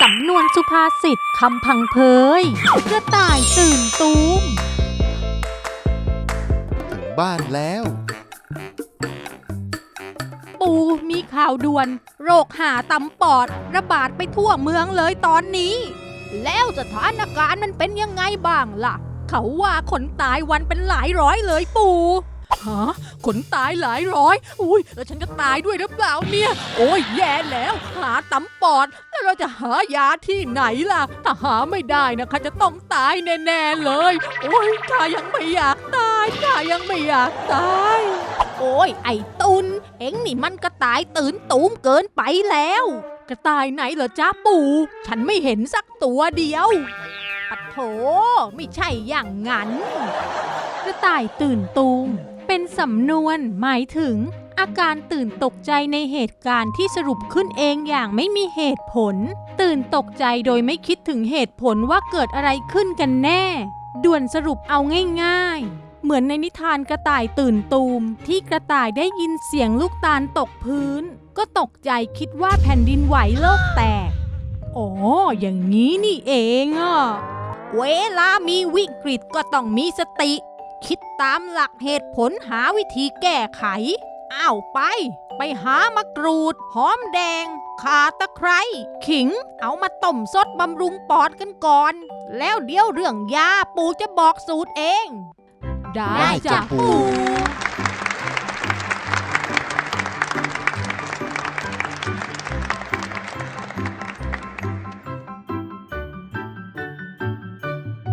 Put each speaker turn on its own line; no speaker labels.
ำนวนสุภาษิตคำพังเพยกระต่ายตื่นตูม
ถึงบ้านแล้ว
ปู่มีข่าวด่วนโรคหาตำปอดระบาดไปทั่วเมืองเลยตอนนี้แล้วสถานการณ์มันเป็นยังไงบ้างล่ะเขาว่าคนตายวันเป็นหลายร้อยเลยปู่ฮะคนตายหลายร้อยอุ้ยแล้วฉันจะตายด้วยหรือเปล่าเนี่ยโอ้ยแย่แล้วหาตำปอดแล้วเราจะหายาที่ไหนล่ะถ้าหาไม่ได้นะคะจะต้องตายแน่ๆเลยโอ้ยข้ายังไม่อยากตายข้ายังไม่อยากตายโอ้ยไอ้ตุนเอ็งนี่มันกระต่ายตื่นตูมเกินไปแล้วกระต่ายไหนเหรอจ้าปู่ฉันไม่เห็นสักตัวเดียวปัดโถไม่ใช่อย่างงั้นกระต่ายตื่นตูมเป็นสำนวนหมายถึงอาการตื่นตกใจในเหตุการณ์ที่สรุปขึ้นเองอย่างไม่มีเหตุผลตื่นตกใจโดยไม่คิดถึงเหตุผลว่าเกิดอะไรขึ้นกันแน่ด่วนสรุปเอาง่ายๆเหมือนในนิทานกระต่ายตื่นตูมที่กระต่ายได้ยินเสียงลูกตาลตกพื้นก็ตกใจคิดว่าแผ่นดินไหวโลกแตกอ๋ออย่างนี้นี่เองอ่ะเวลามีวิกฤตก็ต้องมีสติคิดตามหลักเหตุผลหาวิธีแก้ไขอ้าวไปหามะกรูดหอมแดงข่าตะไคร้ขิงเอามาต้มซดบำรุงปอดกันก่อนแล้วเดี๋ยวเรื่องยาปู่จะบอกสูตรเองได้จ้ะปู่